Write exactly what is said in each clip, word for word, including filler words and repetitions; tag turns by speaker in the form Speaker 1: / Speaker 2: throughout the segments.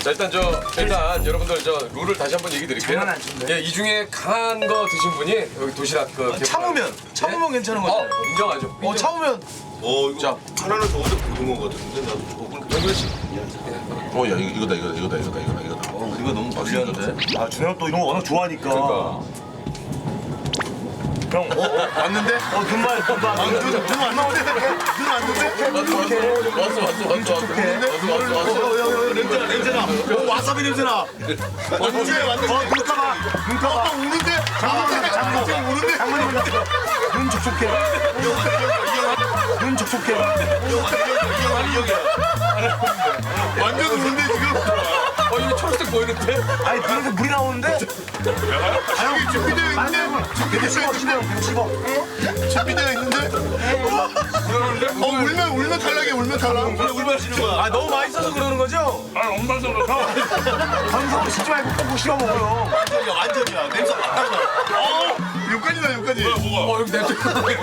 Speaker 1: 자 일단 저 일단 여러분들 저 룰을 다시 한번 얘기 드릴게요.
Speaker 2: 장난 안 친데?
Speaker 1: 예, 이 중에 강한 거 드신 분이 여기 도시락 그
Speaker 2: 참으면 참으면 괜찮은 거죠?
Speaker 1: 어 인정하죠.
Speaker 2: 어 참으면
Speaker 3: 어 이거
Speaker 1: 자.
Speaker 3: 하나는 저거보다 부른 거 같은데 나도 저거.
Speaker 1: 영근 씨.
Speaker 3: 어야 이거다 이거다 이거다 이거다 이거다 이거다. 어 이거 너무 맛있는데.
Speaker 2: 아 준영 또 이런 거 워낙 좋아하니까.
Speaker 1: 그러니까.
Speaker 2: 형, 어, 어, 왔는데? 어, 눈만, 눈만. 아, 눈, 눈 왔는데? 눈 왔는데?
Speaker 3: 왔어 왔어 왔어 왔어 왔어 왔어 왔어.
Speaker 2: 어, 야, 야, 냄새나, 냄새나. 어, 와사비 냄새나. 언제 왔는데? 어, 눈 감아. 눈 감아. 또 우는데? 장모님, 장모님. 우는데? 장모님, 눈 촉촉해. 눈 촉촉해.
Speaker 3: 완전 우는데 지금.
Speaker 1: 어 이거 초록색 보이는데?
Speaker 2: 아니, 눈에서 물이 나오는데?
Speaker 3: 여기 준비되어 있는데.
Speaker 2: 이렇게 씹어, 씹어, 씹어.
Speaker 3: 준비되어 있는데. 어 울면 울면 탈락이야 울면 탈락.
Speaker 2: 울면 씹는 거야. 아, 너무 맛있어서 그러는 거죠?
Speaker 4: 아, 엄마서 그렇다.
Speaker 2: 건성으로 씹지 말고 꼭 씹어 먹어요.
Speaker 3: 완전이야 완전이야 냄새 안 나잖아. 어 여기까지다 여기까지.
Speaker 1: 어 여기 냄새.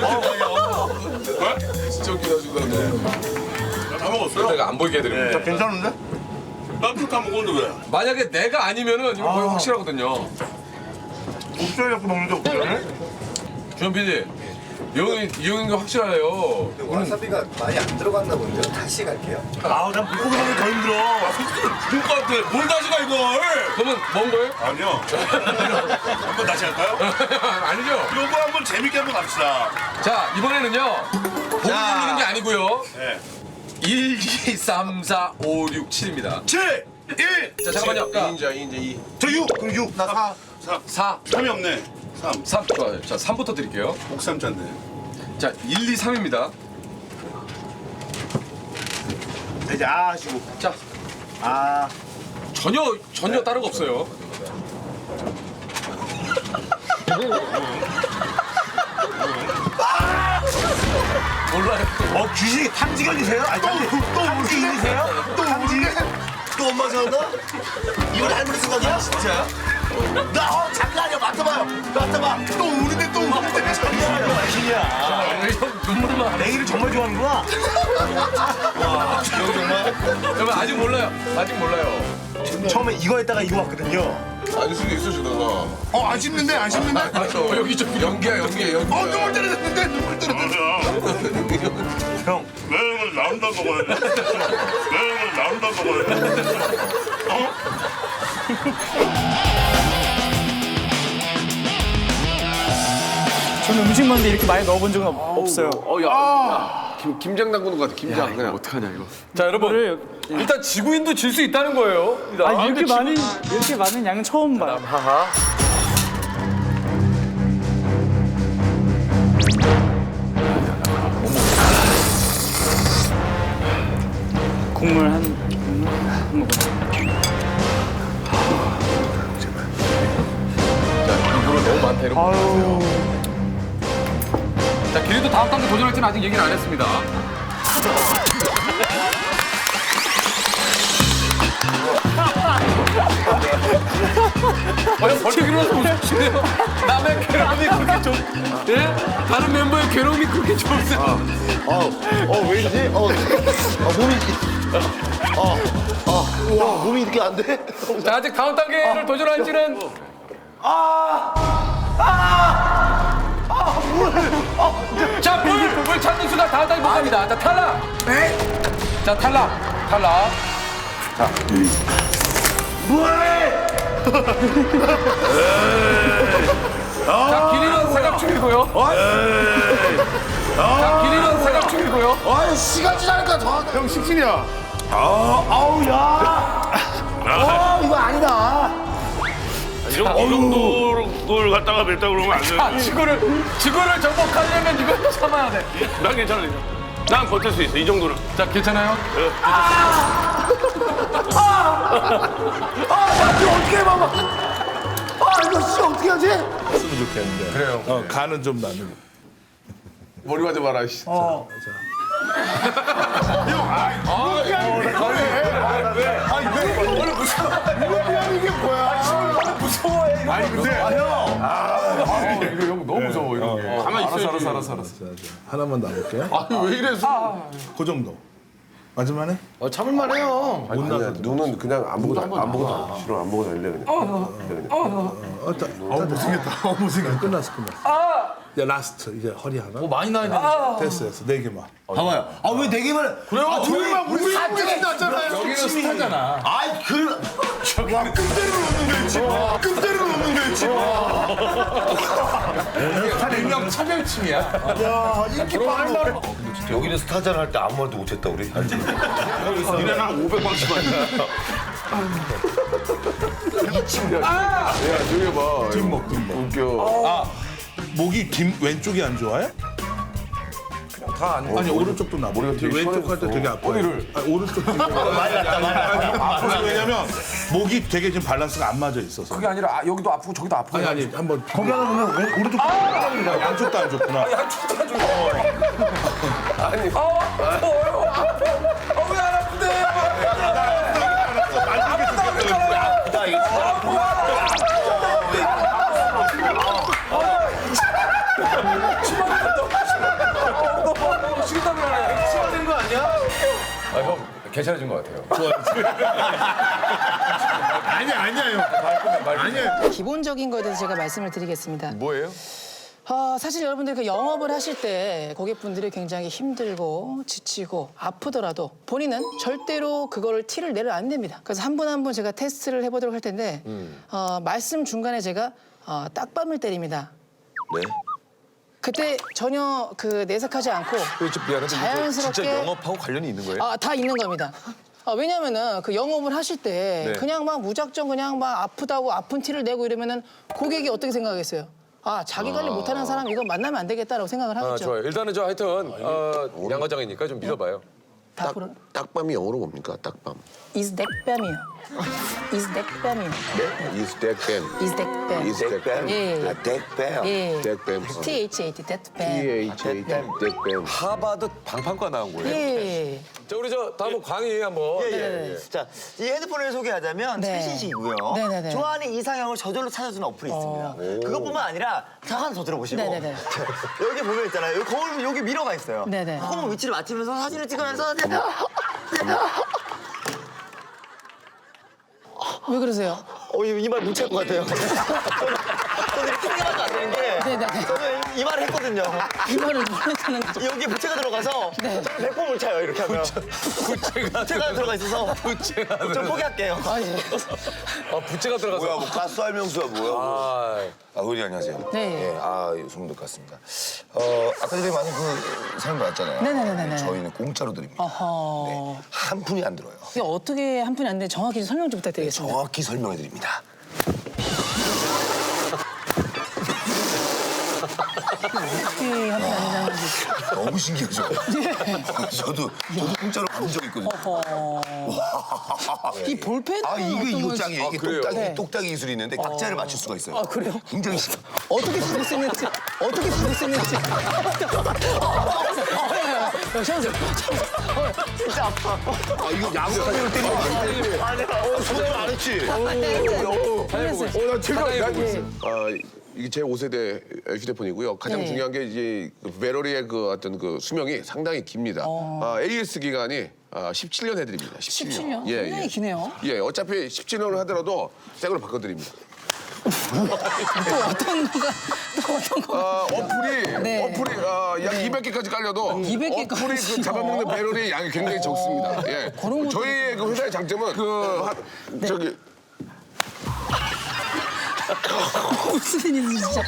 Speaker 3: 진짜 웃기다 지금.
Speaker 4: 다 먹었어요?
Speaker 1: 내가 안 보이게 해드립니다.
Speaker 2: 괜찮은데?
Speaker 4: 나도 먹었는데 왜?
Speaker 1: 만약에 내가 아니면은 이거 거의 확실하거든요.
Speaker 2: 옥수수 갖고 먹는데 옥수수를?
Speaker 1: 주현 피디. 이형이 이형인 거 확실해요.
Speaker 5: 와사비가 많이 안 들어갔나 본데요. 다시 갈게요.
Speaker 2: 아우, 난 물고기 먹는 게 더 힘들어.
Speaker 4: 죽을 것 같아. 뭘 다시 가 이걸?
Speaker 1: 그러면 먹은 거예요?
Speaker 4: 아니요. 한번 다시 할까요?
Speaker 1: 아니죠.
Speaker 4: 이거 한번 재밌게 한번 갑시다.
Speaker 1: 자 이번에는요. 보고 누르는 게 아니고요.
Speaker 4: 네.
Speaker 1: 일, 이, 삼, 사, 오, 육, 칠입니다.
Speaker 2: 칠, 일.
Speaker 1: 자 잠깐만요. 자,
Speaker 3: 이인자 이인자 이.
Speaker 2: 저 육. 그럼 육. 나 사.
Speaker 4: 삼.
Speaker 1: 사,
Speaker 4: 삼이 없네. 삼.
Speaker 1: 삼. 좋아요. 자 삼부터 드릴게요.
Speaker 4: 옥삼자인데.
Speaker 1: 자 일, 이, 삼입니다.
Speaker 2: 이제 아 하시고.
Speaker 1: 자
Speaker 2: 아.
Speaker 1: 전혀 전혀 다른 거 없어요. 몰라요.
Speaker 2: 어, 귀신이 탐지견이세요? 아니, 탐지, 또 탐지견이세요? 또 탐지견?
Speaker 3: 또 엄마 생각나? 이건 할머니 생각이야? 진짜? 나 어, 장난 아니야 맡아봐요 맡아봐 또 우는데 또 우는데
Speaker 2: 귀신이야.
Speaker 1: 형 눈물만.
Speaker 2: 내기를 정말 좋아하는구나.
Speaker 1: 여러분 아직 몰라요. 아직 몰라요.
Speaker 2: 처음에 이거 했다가 이거 왔거든요.
Speaker 3: 알 수도 있어 저러다.
Speaker 2: 어안 씹는데 안 씹는데.
Speaker 1: 어, 여기 좀
Speaker 3: 연기야 연기야 연기야.
Speaker 2: 어 눈물 떨어졌는데 눈물 떨어졌는데.
Speaker 4: 형.
Speaker 2: 형
Speaker 4: 왜 이걸 나온다 먹어야 돼? 왜 이걸 나온다 먹어야 돼? 어?
Speaker 6: 저는 음식 먹는데 이렇게 많이 넣어본 적은 없- 없어요.
Speaker 1: 어야. 김 김장 담그는 것 같아. 김장. 그냥 어떡하냐 이거. 자 여러분 일단 지구인도 질 수 있다는 거예요.
Speaker 6: 아, 이렇게 많이 이렇게 많은 양은 처음 봐요.
Speaker 1: 하하.
Speaker 6: 국물 한 국물 한 모금.
Speaker 1: 자 이거로 너무 많다 이런 거.
Speaker 6: 아유.
Speaker 1: 자 길이도 다음 단계 도전할지는 아직 얘기는 안 했습니다. 어, 벌써 일어나서 웃으시네요. 남의 괴로움이 그렇게 좋... 예? 다른 멤버의 괴로움이 그렇게 좋으세요?
Speaker 3: 어어 왜이지? 어, 어 몸이 어어어 몸이 이렇게 안 돼?
Speaker 1: 자 아직 다음 단계를 도전할지는 자, 물! 물 찾는 수가 다음 단계 못 갑니다. 자, 탈락! 자, 탈락! 탈락! 자, 길이는 사각 중이고요. 자, 길이는 사각 중이고요.
Speaker 3: 아유 시간 지나니까 더. 형 식신이야.
Speaker 2: 아우 야. 어 이거 아니다.
Speaker 4: 이 정도- 이 정도를 갖다가 뱉다 그러면 안
Speaker 1: 자,
Speaker 4: 돼.
Speaker 1: 지구를, 지구를 정복하려면 이걸 참아야 돼.
Speaker 4: 난 괜찮아. 난 버틸 수 있어. 이 정도는.
Speaker 1: 자, 괜찮아요?
Speaker 2: 아 이거 어떻게 해 봐봐. 아 이거 씨 어떻게 하지?
Speaker 1: 그래요.
Speaker 3: 어 간은 좀 나는. 머리 맞아 봐라 씨.
Speaker 2: 어.
Speaker 3: 아니 근데
Speaker 1: 이거 형 너무 무서워, 이런 게. 가만히 있어야지.
Speaker 3: 알았어 알았어 알았어. 하나만 놔볼게.
Speaker 1: 아니, 왜 이래, 수
Speaker 3: 그 정도.
Speaker 2: 맞을만해?
Speaker 1: 어, 참을만 해요.
Speaker 7: 아니야, 눈은 그냥 아무것도 안- 아무것도 싫어 아무것도 안 해, 그냥. 그냥.
Speaker 2: 어, 다, 어, 못생겼다. 어, 못생겼다. 끝났어, 끝났어. 이제 라스트. 이제 허리 하나.
Speaker 1: 어, 많이 나야 되는데.
Speaker 2: 됐어, 됐어. 네 개만.
Speaker 3: 봐봐요. 아 왜 네 개만?
Speaker 1: 그래요?
Speaker 3: 아, 두 개만 우리
Speaker 2: 다
Speaker 3: 우리
Speaker 2: 끝났잖아요.
Speaker 1: 여기는 스타잖아.
Speaker 3: 아이 그
Speaker 2: 와, 끔대를 놓는 거지. 끔대를 놓는 거지.
Speaker 1: 일명 차별침이야.
Speaker 2: 야, 인기 빨라.
Speaker 3: 여기는 스타전 할 때 아무 말도 못했다 우리. 알지?
Speaker 2: 니네는 한 오백 방씩만
Speaker 7: 야, 저기 봐.
Speaker 2: 뒷목, 뒷목.
Speaker 7: 웃겨.
Speaker 2: 아, 목이 뒷 왼쪽이 안 좋아해?
Speaker 1: 다 안.
Speaker 2: 아니 오른쪽도 나.
Speaker 7: 머리가 되게
Speaker 2: 왼쪽 할 때 되게 아파.
Speaker 7: 허리를.
Speaker 2: 아, 오른쪽 되게
Speaker 3: 많이 났다 많이 났다.
Speaker 2: 아파서 왜냐면 목이 되게 지금 밸런스가 안 맞아 있어서.
Speaker 1: 그게 아니라 아, 여기도 아프고 저기도 아프고.
Speaker 2: 아니 아니 한번 거기 하나 보면 왼- 오른쪽 아! 양쪽도 안 좋구나.
Speaker 1: 아니. 어, 어, 어, 아파. 어, 왜 안 아픈데?
Speaker 3: 나 이거
Speaker 1: 식은땀 나네. 치료된 거 아니야? 아, 형 괜찮아진 것 같아요.
Speaker 2: 아니야 아니야 아니야.
Speaker 8: 기본적인 거에 대해서 제가 말씀을 드리겠습니다.
Speaker 1: 뭐예요?
Speaker 8: 어, 사실 여러분들 그 영업을 하실 때 고객분들이 굉장히 힘들고 지치고 아프더라도 본인은 절대로 그거를 티를 내려 안 됩니다. 그래서 한 분 한 분 제가 테스트를 해보도록 할 텐데 어, 말씀 중간에 제가 어, 딱밤을 때립니다.
Speaker 3: 네.
Speaker 8: 그때 전혀 그 내색하지 않고 자연스럽게
Speaker 1: 진짜 영업하고 관련이 있는 거예요?
Speaker 8: 아, 다 있는 겁니다. 아, 왜냐면은 그 영업을 하실 때
Speaker 1: 네.
Speaker 8: 그냥 막 무작정 그냥 막 아프다고 아픈 티를 내고 이러면은 고객이 어떻게 생각하겠어요? 아, 자기 관리 못하는 사람 이거 만나면 안 되겠다라고 생각을 하겠죠.
Speaker 1: 아, 좋아요. 일단은 저 하여튼 어, 양 과장이니까 좀 믿어봐요.
Speaker 8: 다 부르.
Speaker 7: 딱밤이 영어로 뭡니까? 딱밤.
Speaker 8: 이스덱뱀이요. 이스덱뱀이요.
Speaker 7: 네? 이스덱뱀.
Speaker 8: 이스덱뱀.
Speaker 7: 이스덱뱀.
Speaker 8: 예.
Speaker 3: 아 덱배요.
Speaker 8: 예.
Speaker 7: 덱뱀.
Speaker 8: T H A T 덱뱀.
Speaker 7: T-H-A-T. 덱뱀.
Speaker 1: 하버드 방판과 나온 거예요.
Speaker 8: 예.
Speaker 1: 자, 우리 저 다음은 광희 한번.
Speaker 8: 네.
Speaker 9: 자, 이 헤드폰을 소개하자면
Speaker 8: 네.
Speaker 9: 최신식이고요.
Speaker 8: 네네네.
Speaker 9: 좋아하는 이상형을 저절로 찾아주는 어플이 있습니다. 그것뿐만 아니라 자 하나 더 들어보시고
Speaker 8: 네네네.
Speaker 9: 여기 보면 있잖아요. 여기 거울 여기 미러가 있어요.
Speaker 8: 네네.
Speaker 9: 거울 위치를 맞추면서 사진을 찍으면서
Speaker 8: 왜 그러세요?
Speaker 9: 어, 이말 못 찰 것 같아요. 저는, 저는 이렇게 생각하면 안 되는 게
Speaker 8: 네네.
Speaker 9: 저는 이 말을 했거든요.
Speaker 8: 이거를 모르는 거죠.
Speaker 9: 여기에 부채가 들어가서
Speaker 8: 네.
Speaker 9: 저는 백 번 못 차요. 이렇게 하면.
Speaker 1: 부채가
Speaker 9: 부채가 들어가 있어서
Speaker 1: 부채가
Speaker 9: 좀 포기할게요.
Speaker 8: 아, 예.
Speaker 1: 아, 부채가 들어가서.
Speaker 3: 뭐야 뭐 가스 할명수야 뭐야?
Speaker 1: 아,
Speaker 3: 아, 의원님 안녕하세요.
Speaker 8: 네.
Speaker 3: 예, 아, 소문들 같습니다. 어, 아까 전에 많은 그 사연 받았잖아요.
Speaker 8: 네네네네네.
Speaker 3: 저희는 공짜로 드립니다.
Speaker 8: 어허.
Speaker 3: 네, 한 푼이 안 들어요.
Speaker 8: 이게 어떻게 한 푼이 안 되는지 정확히 설명 좀 부탁드리겠습니다.
Speaker 3: 정확히 설명해 드립니다.
Speaker 8: 어떻게 한 푼이 안 되는 건지.
Speaker 3: 너무 신기하죠? 저도 저도 공짜로 받은 적 있거든요.
Speaker 8: 이 볼펜은
Speaker 3: 아, 이게
Speaker 8: 어떤
Speaker 3: 이거
Speaker 8: 건지-
Speaker 3: 짱이에요. 이게
Speaker 1: 그래요?
Speaker 3: 똑딱이
Speaker 8: 네.
Speaker 3: 똑딱이 기술이 있는데 각자를 맞출 수가 있어요.
Speaker 8: 아, 그래요?
Speaker 3: 굉장히 쉽.
Speaker 8: 어떻게 부를 수 있는지 어떻게 부를 수 있는지 잠시만요.
Speaker 9: 진짜 아파.
Speaker 3: 아, 이거 야구를 때리면 안 돼.
Speaker 9: 아니야.
Speaker 3: 어, 소개를 안 했지.
Speaker 7: 어, 나 제가
Speaker 1: 사장님
Speaker 7: 나-
Speaker 1: 보고 있어요.
Speaker 7: 아, 이게 제 오 세대 휴대폰이고요. 가장
Speaker 8: 네.
Speaker 7: 중요한 게 이제 그 배터리의 그 어떤 그 수명이 상당히 깁니다. 아, 에이에스 기간이 아, 십칠 년 해드립니다. 십칠 년.
Speaker 8: 십칠 년?
Speaker 7: 예,
Speaker 8: 굉장히
Speaker 7: 예.
Speaker 8: 기네요.
Speaker 7: 예, 어차피 십칠 년을 하더라도 새 걸로 바꿔드립니다.
Speaker 8: 또 어떤 거가 또 어떤 거
Speaker 7: 아, 어플이
Speaker 8: 네.
Speaker 7: 어플이 아, 약 이백 개까지 깔려도
Speaker 8: 이백 개까지.
Speaker 7: 어플이 그 잡아먹는 배럴의 양이 굉장히 적습니다. 예.
Speaker 8: 그런 것도
Speaker 7: 저희의 그 회사의 장점은 그 한- 저기
Speaker 8: 무슨 일인지 진짜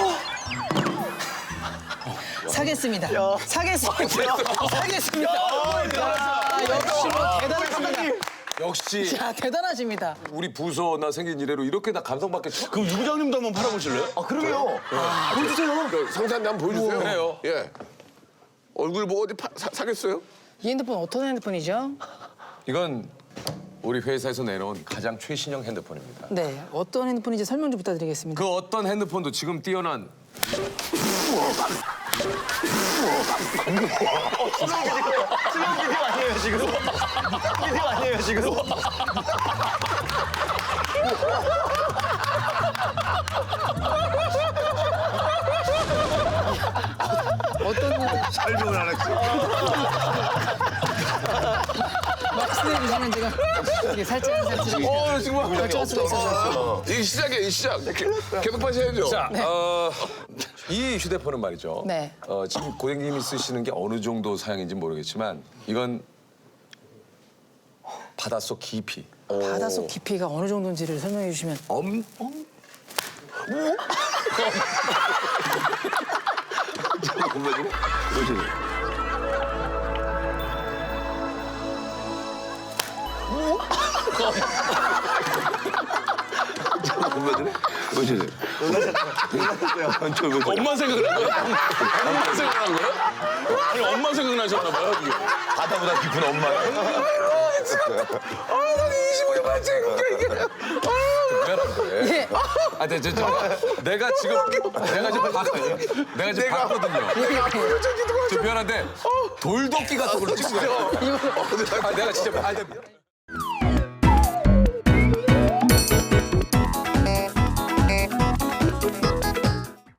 Speaker 8: 사겠습니다. 사겠습니다. 사겠습니다. 야, 역시 뭐 대단하십니다.
Speaker 1: 역시
Speaker 8: 자, 대단하십니다.
Speaker 1: 우리 부서나 생긴 이래로 이렇게 다 감성받게 쳐.
Speaker 2: 그럼 유 부장님도 한번 팔아보실래요?
Speaker 9: 아, 그러게요.
Speaker 7: 그 상사한테 한번 보여주세요.
Speaker 1: 그래요.
Speaker 7: 예. 얼굴 보고 어디 파, 사, 사겠어요?
Speaker 8: 이 핸드폰 어떤 핸드폰이죠?
Speaker 1: 이건 우리 회사에서 내놓은 가장 최신형 핸드폰입니다.
Speaker 8: 네, 어떤 핸드폰인지 설명 좀 부탁드리겠습니다.
Speaker 1: 그 어떤 핸드폰도 지금 뛰어난
Speaker 9: 수영 비디오 아니에요, 지금? 비디오 아니에요, 지금?
Speaker 8: 어떤
Speaker 2: 설명을 안 했어.
Speaker 8: 이렇게 살짝 살짝
Speaker 7: 어, 정말.
Speaker 8: 결정할 수가 있어서.
Speaker 7: 이 시작이야, 이 시작. 계속 파셔야죠.
Speaker 1: 자, 어, 이 휴대폰은 말이죠.
Speaker 8: 네.
Speaker 1: 어, 지금 고객님이 쓰시는 게 어느 정도 사양인지 모르겠지만 이건 바닷속 깊이.
Speaker 8: 바닷속 깊이가 어느 정도인지를 설명해 주시면.
Speaker 1: 엄, 엄마 생각을 한 거야? 엄마 생각을 한 거야? 아니, 엄마 생각나셨나 봐요, 이게.
Speaker 2: 바다보다 깊은 엄마야.
Speaker 1: 미안한 거예요.
Speaker 8: 예.
Speaker 1: 아, 네, 저, 저, 내가 지금, 내가 지금 봤, 내가 지금 봤거든요. 저 미안한데, 돌도끼 같은 걸로 찍어요. 아, 내가 진짜, 아, 네.